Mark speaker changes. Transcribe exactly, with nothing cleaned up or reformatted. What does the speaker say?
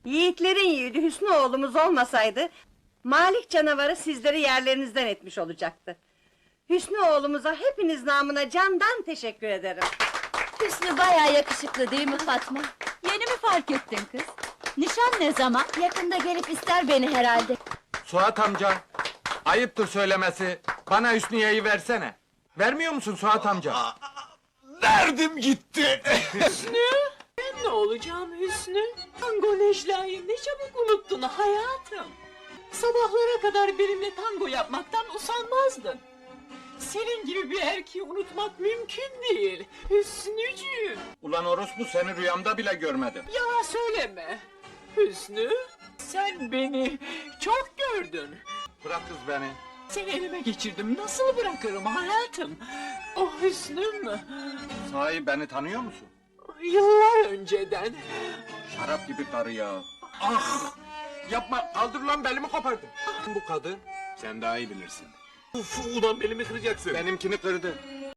Speaker 1: Yiğitlerin yiğidi Hüsnü oğlumuz olmasaydı... ...Malik canavarı sizleri yerlerinizden etmiş olacaktı. Hüsnü oğlumuza hepiniz namına candan teşekkür ederim.
Speaker 2: Hüsnü bayağı yakışıklı değil mi Fatma? Yeni mi fark ettin kız? Nişan ne zaman? Yakında gelip ister beni herhalde.
Speaker 3: Suat amca, ayıptır söylemesi, bana Hüsniye'yi versene. Vermiyor musun Suat amca?
Speaker 4: Verdim gitti!
Speaker 5: Hüsnü! Ben ne olacağım Hüsnü? Tango Necla'yı ne çabuk unuttun hayatım! Sabahlara kadar benimle tango yapmaktan usanmazdın. Senin gibi bir erkeği unutmak mümkün değil, Hüsnücüğüm!
Speaker 3: Ulan orospu, seni rüyamda bile görmedim.
Speaker 5: Yalan söyleme! Hüsnü, sen beni çok gördün!
Speaker 3: Bırak kız beni.
Speaker 5: Seni elime geçirdim, nasıl bırakırım hayatım? Oh Hüsnüm!
Speaker 3: Sahi beni tanıyor musun?
Speaker 5: Yıllar önceden!
Speaker 3: Şarap gibi karı ya. Ah! Yapma, kaldır lan, belimi kopardın. Bu kadın, sen daha iyi bilirsin.
Speaker 4: Uf, ulan belimi kıracaksın.
Speaker 3: benimkini kırdı.